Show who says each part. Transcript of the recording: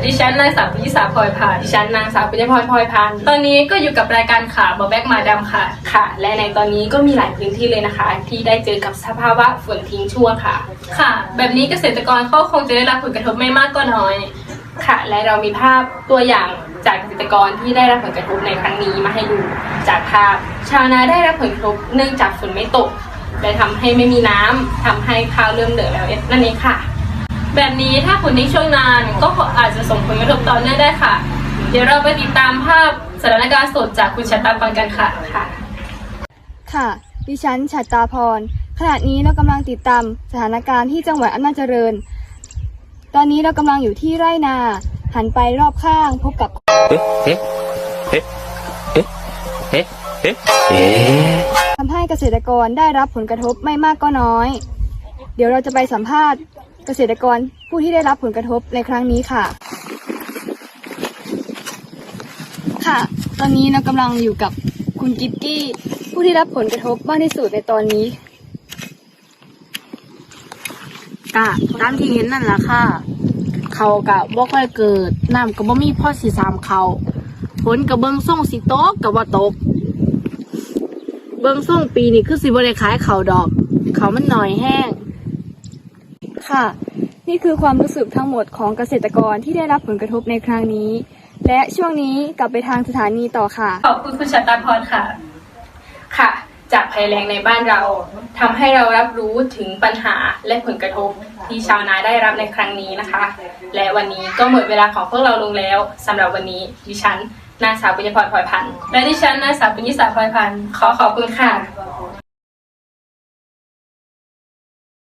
Speaker 1: ดิฉันนางสาวปุญญสาพลอยพานดิฉันนางสาวปุญญพรพลอยพานตอนนี้ก็อยู่กับรายการข่าวบอแบกมาดำค่ะค่ะและในตอนนี้ก็มีหลายพื้นที่เลยนะคะที่ได้เจอกับสภาวะฝนทิ้งช่วงค่ะค่ะแบบนี้เกษตรกรเขาคงจะได้รับผลกระทบไม่มากก็น้อยค่ะและเรามีภาพตัวอย่างจากเกษตรกรที่ได้รับผลกระทบในครั้งนี้มาให้ดูจากภาพชาวนาได้รับผลกระทบเนื่องจากฝนไม่ตกและทำให้ไม่มีน้ำทำให้ข้าวเริ่มเหลืองแล้วนั่นเองค่ะแบบนี้ถ้าฝนทิ้งช่วงนานก็อาจจะส่งผลกระทบต่อเนื่องได้ค่ะเดี๋ยวเราไปติดตามภาพสถานการณ์สดจากคุณชัตตาพรกันค่ะ
Speaker 2: ค่ะดิฉันฉัตรตาพรขณะนี้เรากำลังติดตามสถานการณ์ที่จังหวัดอำนาจเจริญตอนนี้เรากำลังอยู่ที่ไร่นาหันไปรอบข้างพบกับทำให้เกษตรกรได้รับผลกระทบไม่มากก็น้อยเดี๋ยวเราจะไปสัมภาษณ์เกษตรกรผู้ที่ได้รับผลกระทบในครั้งนี้ค่ะค่ะตอนนี้เรากำลังอยู่กับคุณกิ๊บกี้ผู้ที่รับผลกระทบมากที่สุดในตอนนี้
Speaker 3: กะตามที่เห็นนั่นแหละค่ะเขากะบ่ค่อยเกิดน้ำก็บ่มีพ่อสีสามเขาฝนกะเบิ่งส่งสิตกกะบ่ตกเบิ่งส่งปีนี้คือสิบ่ได้ขายเขาดอกเขามันหน่อยแห้ง
Speaker 2: ค่ะนี่คือความรู้สึกทั้งหมดของเกษตรกรที่ได้รับผลกระทบในครั้งนี้และช่วงนี้กลับไปทางสถานีต่อค่ะ
Speaker 1: ขอบคุณคุณชัตตาพรค่ะค่ะจากภัยแล้งในบ้านเราทำให้เรารับรู้ถึงปัญหาและผลกระทบที่ชาวนาได้รับในครั้งนี้นะคะและวันนี้ก็หมดเวลาของพวกเราลงแล้วสำหรับวันนี้ดิฉันนางสาวปุญญพรพลอยพันธ์และดิฉันนางสาวปุญญสาพลอยพันธ์ขอขอบคุณค่ะ